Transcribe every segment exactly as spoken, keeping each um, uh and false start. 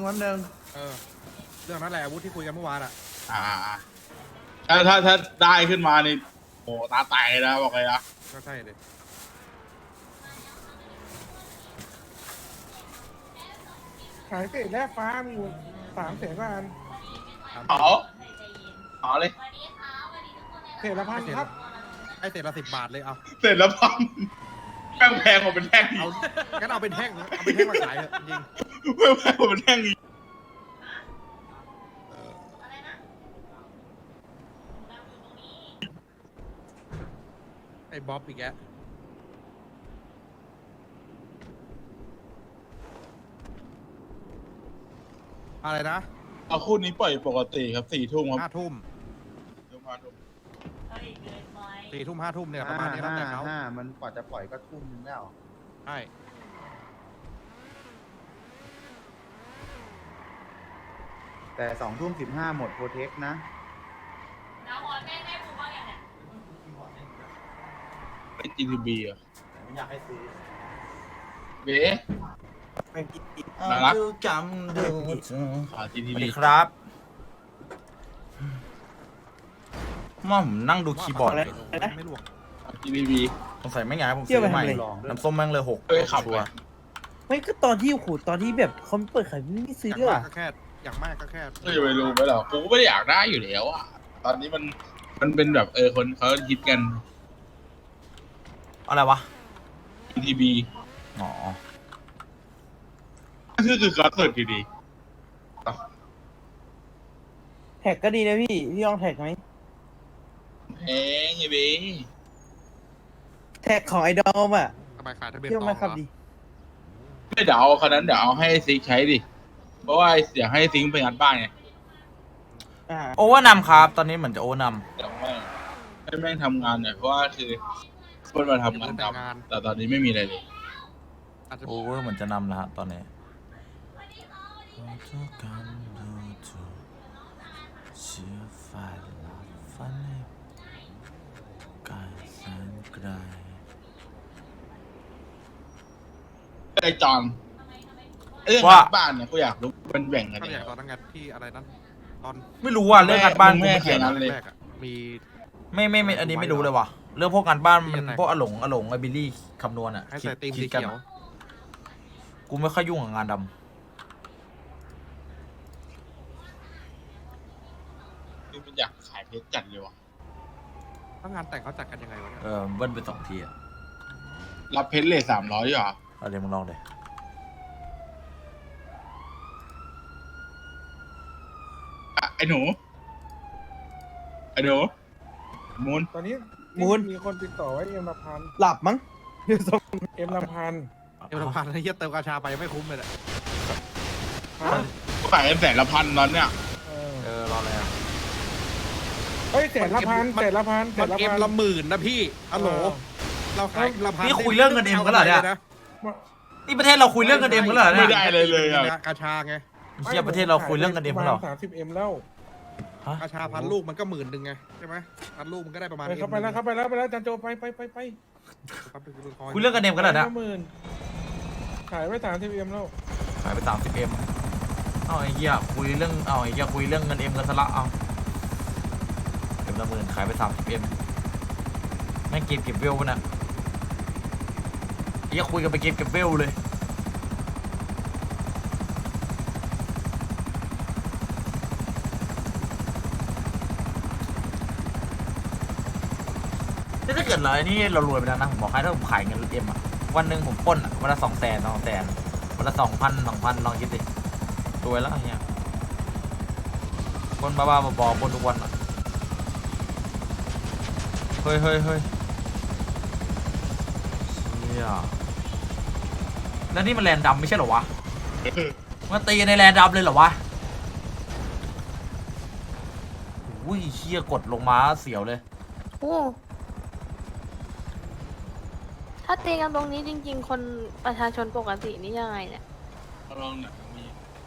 แป๊บนึงเออเรื่องนั้นแหละอาวุธที่คุยกันเมื่อวานอ่ะอ่าถ้าถ้าถ้าได้ขึ้นมานี่โอ้ตาแตกนะบอกเลยนะก็ใช่เลยขายเศษแร่ฟ้ามีอยู่สามแสนกว่าอันเอาเอาเลยเศษละพันครับไอ้เศษละสิบบาทเลยเอาเสร็จแล้วพังแป้งแพงกว่าเป็นแท่งอีเอากงั้นเอาเป็นแท่งนะเอาเป็นแท่งมาขายเถอะจริงแป้งแพงกว่าเป็นแท่งอีกไอ้บ๊อบอีกแกอะไรนะเอาคู่นี้ปล่อยปกติครับสี่ทุ่มครับห้าทุ่มทุ่มห้าทุ่มสี่ทุ่มห้าทุ่มเนี่ยประห้ามาณนี้แล้วห้าแต่เขาห้ามันกว่าจะปล่อยก็ทุ่มนึงแล้วใช่แต่สองทุ่มสิบห้าหมดโปรเทคนะไอจีทีบีอ่ะไม่อยากให้ซื้อเบ๊น่ารักดูจำดูขาจีสทีวัสบีดีครับม่อมนั่งดูคีย์บอร์ดเลยไม่หลวกจีทีบีสงสัยไม่ไงผมซื้อใหม่น้ำส้มแม่งเลยหกเอ้ยขับชัไปวร์ไม่ก็ตอนที่ขูดตอนที่แบบเขาเปิดขายไม่ซื้ออย่างเลมากยก็แค่อย่างมากก็แค่ก็จะไปรู้ไหมหรอกูก็ไม่ได้อยากได้อยู่แล้วอ่ะตอนนี้มันมันเป็นแบบเออคนเขาฮิตกันอะไรวะจีทีบีอ๋อคือคือการเสิร์ชดีแท็กก็ดีนะพี่ พี่ลองแท็กไหมๆแพงไงเบ๊แท็กของไอดอลอ่ะทำไมขายทะเบียนพี่ต่ว่าอไม่ขับเหรอดีไม่เดี๋ยวเอาคันนั้นเดี๋ยวเอาให้ซิกใช้ดิเพราะว่าอยากให้ซิงค์ไปงานบ้านไงอ่าโอเวอร์นำครับ ตอนนี้เหมือนจะโอเวอร์นเดี๋ยวแม่งให้แม่งทำงานหน่อยเพราะว่าคือคนมาทำงานดำแต่ตอนนี้ไม่มีอะไรเลยอาจจะำโอเวอร์เหมือนจะนำแล้วฮะตอนนี้ไกลไอ้จอนเรื่องงานบ้านเนี่ยกูอยากรู้เป็นแบ่งกันก็ยังอย่างไงตอนนั้นไงที่อะไรนั้นตอนไม่รู้ว่าเรื่องงานบ้านแม่กูไม่เกี่ยวแม่นะใครแรกๆอ่ะมีไม่ไม่ไม่อันนี้ไม่รู้เลยว่ะเรื่องพวกงานบ้านมันยังไงพวกอหลงอหลงไอบิลลี่คำนวณอ่ะให้ใส่ตีมคิสีดกันเขียวกูไม่ค่อยยุ่งกับงานดคือมันอยากขายเพชรจัดเลยว่ะถ้างานแต่งเขาจัดกันยังไงวะเนี่ยำเออเบิ้ลไปสองทีอ่ะรับเพชรเลยสามร้อยเหรอเอาเดี๋ยวมึงลองเลยอ่ะไอ้หนูไอ้หนูมูนตอนนี้มูลมีคนติดต่อไว้เอ็มละพันหลับมั้งเดี๋ยวส่งเอ็มละพันเอวพันไอ้เหี้ยเติมกาชาไปไม่คุ้มเลยแหละฮะขายกันแสนละพันตอนเนี้ยเออเออรอเลยอ่ะเฮ้ยแสนละพันแสนละพันแสมันนละเอ็มพันละหมื่นนะพี่อะโหลเราขายละพันนี่คุยเรื่องเงินเอ็มกันเหรอเนี่ย นี่ประเทศเราคุยเรื่องกันเอ็มกันเหรอไม่เนี่ยได้เลยเลยอ่ะกาชาไงเชี่ยประเทศเราคุยเรื่องกันเอ็มกันเหรอสามสิบเอ็มแล้วฮะกาชาพันลูกมันก็หมื่นหนึ่งไงใช่ไหมพันลูกมันก็ได้ประมาณไปเข้าไปแล้วเข้าไปแล้วไปแล้วจันโจไปไปไปไปคุยเรื่องกันเอ็มกันเหรอเนี่ยหมื่นขายไว้สามสิบเอ็มแล้วขายไปสามสิบเอ็มเอาไอ้เหี้ยคุยเรื่องเอาไอ้เหี้ยคุยเรื่องเงินเอ็มกันซะละเอาเอ็มละหมื่นขายไปสามสิบเอ็มแม่งเก็บเก็บเวลวะน่ะไอ้เหี้ยคุยกันไปเก็บเก็บเวลเลยนี่ถ้าเกิดเราไอ้นี่เรารวยไปแล้วนะผมบอกให้ถ้าผมขายเงินเอ็มอะวันหนึ่งผมปล้นอะวันละสองแสนสองแสนวันละสองพันสองพันลองคิดดิรวยแล้วไอ้เงี้ยปล้นบ้าๆบอๆปล้นทุกวันอะเฮ้ยเฮ้ยเฮ้ยเชี่ยแล้วนี่มันแลนดำไม่ใช่เหรอวะมันตีในแลนดำเลยเหรอวะอุ้ยเชี่ยกดลงมาเสียวเลยโอ้ถ้าตีกันตรงนี้จริง ๆ คนประชาชนปกตินี่ยังไงเนี่ยลองหน่อยมี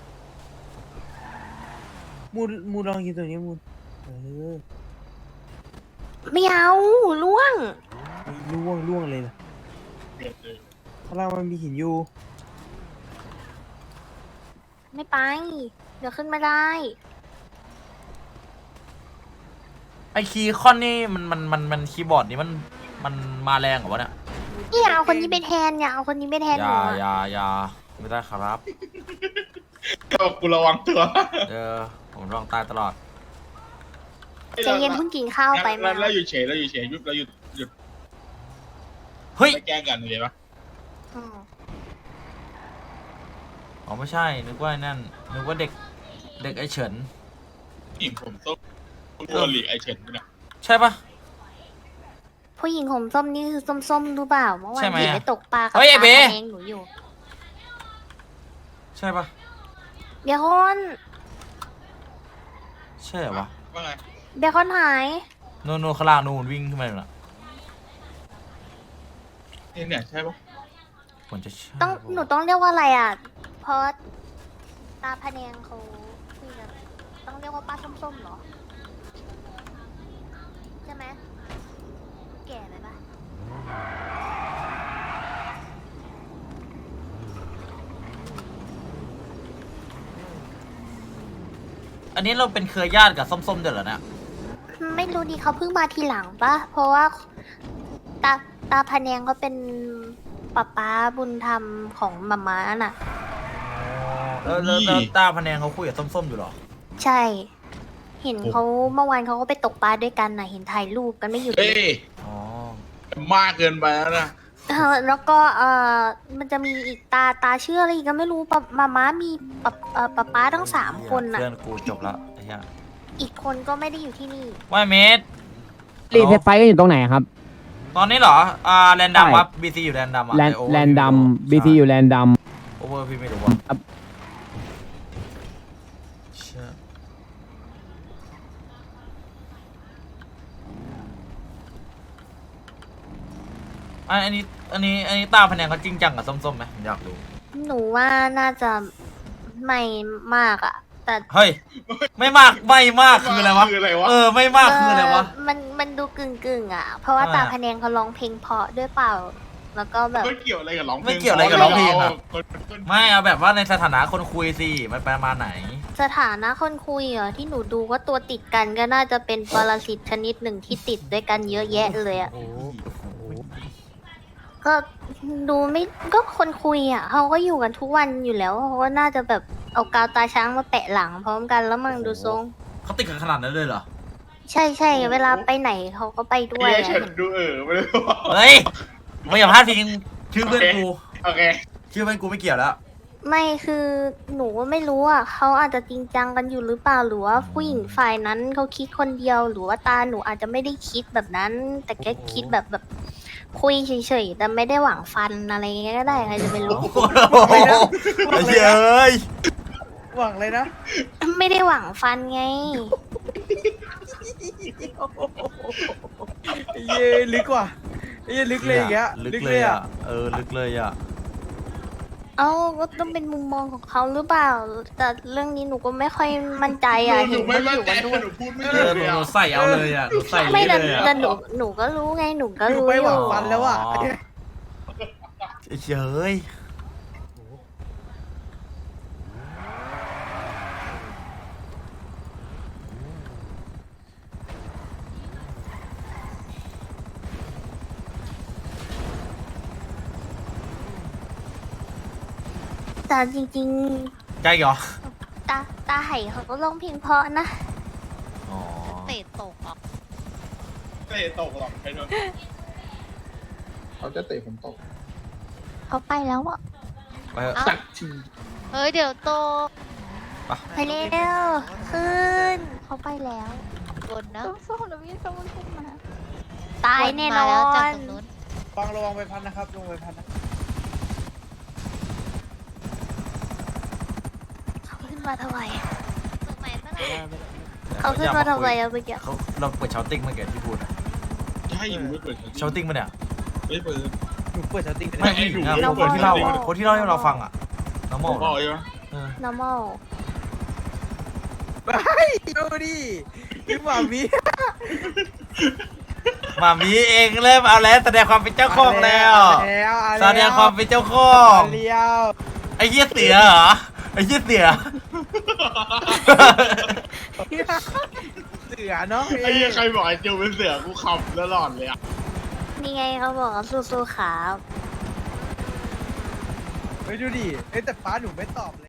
มูลมูลลองกินตัวนี้มูลเออไม่เอาล่วงล่วงล่วงเลยนะเด็ดเลยข้างล่างมันมีหินอยู่ไม่ไป เดี๋ยวขึ้นไม่ได้ไอคีย์คอนนี่มันมันมันมันคีย์บอร์ดนี่มันมันมาแรงเหรอวะเนี่ยนี่เอาคนนี้ไปแทนอย่าเอาคนนี้ไปแทนอหนูย่าอะอย่าอย่าไม่ได้ครับก็กูระวังตัวเออผมลองตายตลอดใจเย็นเพิ่งกินข้าวไปแล้มาวแล้วอยู่เฉยแล้วอยู่เฉยหยุดเราหยุดหยุดเฮ้ยไม่แกล้งกันเลยปะอืมอ๋อไม่ใช่นึกว่าไอ้นั่นนึกว่าเด็กเด็กไอเฉินผู้หญิงผมส้มตัวหลีกไอเฉินด้วยนะใช่ปะผู้หญิงผมส้มนี่คือส้มๆรู้เปล่าเมื่อวาใช่นไหมที่อะไปตกปลากับเฮ้ยไอ้ตาเบ๊แดงหนูอยู่ใช่ปะเบคอนใช่เหรอวะว่าไงเบคอนหายนู่นนู่นข้างล่างนู่นวิ่งขึ้นมาเลยนะนี่เนี่ยใช่ปะผมจะใช่ต้องปะหนูต้องเรียกว่าอะไรอ่ะ เพราะตาพะแนงเขาคุยกันต้องเรียกว่าป้าส้มๆเหรอ ใช่ไหมแก่ไหมปะอันนี้เราเป็นเครือญาติกับส้มๆเดี๋ยวเหรอเนี่ยไม่รู้ดิเขาเพิ่งมาทีหลังปะเพราะว่าตาตาพะแนงเขาเป็นป๊าป๊าบุญธรรมของมาม่าน่ะแล้วแล้วแล้วตาพะแนงเขาคุยกับส้มๆอยู่เหรอใช่ เห็นเขาเมื่อวานเขาก็ไปตกปลาด้วยกันน่ะ เห็นถ่ายรูปกันไม่หยุดเลเอ้ยยอ๋อมากเกินไปแล้วนะเออแล้วก็เออมันจะมีอีกตาตาเชื่ออะไรอีกก็ไม่รู้ปะมาม่ามีปะเอ่อป๊าป๊าทั้งสามคนน่ะเพื่อนกูจบละไอ้เหี้ยอีกคนก็ไม่ได้อยู่ที่นี่ว่ายเมตรรีเทสไฟก็อยู่ตรงไหนครับตอนนี้เหรอ อ่าแรนดัมใช่ครับบีซีอยู่แรนดัมอ่ะแลนไอ้ Over แลนดัมพี่บีไม่รู้ซีอยู่แลนดัมโอเวอร์พี่ไม่รู้ว่าครับเชี่ยอันอันนี้อันนี้อันนี้ตาพะแนงเขาจริงจังกับส้มๆไหมผมอยากรู้หนูว่าน่าจะไม่มากอะแต่เฮ้ย ไม่มากไม่มากคืออะไรวะคืออะไรวะเออไม่มากคืออะไรวะเมันมันดูกึ่งกึ่งๆอะเพราะว่าอ่าตาพะแนงเขาร้องเพลงเพราะด้วยเปล่า แล้วก็แบบไม่เกี่ยวอะไรกับร้องเพลงไม่เกี่ยวอะไรกับร้องเพลงอะคนคนไม่เอาแบบว่าในสถานะคนคุยสิมันประมาณไหนสถานะคนคุยเหรอที่หนูดูว่าตัวติดกันก็น่าจะเป็นปรสิตชนิดหนึ่งที่ติดด้วยกันเยอะแยะเลยอะก็ดูไม่ก็คนคุยอะเขาก็อยู่กันทุกวันอยู่แล้วเขาก็น่าจะแบบเอากาวตาช้างมาแปะหลังพร้อมกันแล้วมึงดูทรงเขาติดกันขนาดนั้นเลยเหรอใช่ใช่เวลาไปไหนเขาก็ไปด้วยไออะเฉินดูเออไม่ได้ว่าเฮ้ยไม่อย่าพลาดพิงชื่อเพื่อนกูโอเคชื่อเพื่อนกูไม่เกี่ยวแล้วไม่คือหนูก็ไม่รู้อ่ะเขาอาจจะจริงจังกันอยู่หรือเปล่าหรือว่าผู้หญิงฝ่ายนั้นเขาคิดคนเดียวหรือว่าตาหนูอาจจะไม่ได้คิดแบบนั้น แต่แค่คิดแบบแบบคุยเฉยๆแต่ไม่ได้หวังฟันอะไรเงี้ยก็ได้ใครจะไปรู้โอ้โหไอ้เหี้ยเอ้ยหวังเลยนะไม่ได้หวังฟันไงไอ้เย้ลึกว่ะไอ้เย้ลึกเลยอย่างเงี้ยลึกเลยอ่ะ เออ ลึกเลยอ่ะเอ้าก็ต้องเป็นมุมมองของเขาหรือเปล่า แต่เรื่องนี้หนูก็ไม่ค่อยมั่นใจอ่ะหเห็นูนไม่เขามั่อน ยู่ใจกันด้วยหนูพูดไม่เอถูอก หนูเลยหนูอะใส่เอาเลยอ่ะ หนูใส่ไม่เลแต่ยอ่ะแต่หนูหนูก็รู้ไงหนูก็อยู่รู้ไปอหวัยู่งฟันแล้วอ่ะอ๋อ เย้ยแต่จริงใจเหรอๆ ตาตาไห่เขาก็ร้องเพลงเพราะนะอ๋อเตะตกอ่ะไม่ได้ตกหรอกใครโดนเขาจะเตะผมตกเขาไปแล้วอ่ะไปเถอะสักทีเฮ้ยเดี๋ยวโตไปไปเร็วขึ้น เขาไปแล้วบนนะส้มๆแล้วมีส้มขึ้นมา ตายแน่นอนฟังระวังไปพันนะครับระวังไปพันนะเขาขึ้นมาทำไมเขาขึ้นมาทำไมอะเมื่อกี้เขาเราเปิดเชาติ้งเมื่อกี้ที่พูดอะใช่หนูไม่เปิดเชาติ้งมาเนี่ยไม่เปิดหนูเปิดสติกไม่ผู้หญิงอะคนที่เล่าอ่ะ คนที่เล่าให้เราฟังอ่ะน้องโมบอกใช่ไหมเออ normal ไปดูดิพี่หมามีหมามีเองเริ่มเอาแล้วแสดงความเป็นเจ้าของแล้วแล้วแสดงความเป็นเจ้าของเลี้ยวไอ้เหี้ยเสือเหรอ ไอ้อ้เหี้ยเสียเสือเนาะไอ้เหี้ยใครบอกไอ้จูเป็นเสือกูขับตลอดเลยอ่ะนี่ไงเขาบอกว่าสู้ๆครับไปดูดิเอ้ยแต่ฟ้าหนูไม่ตอบเลย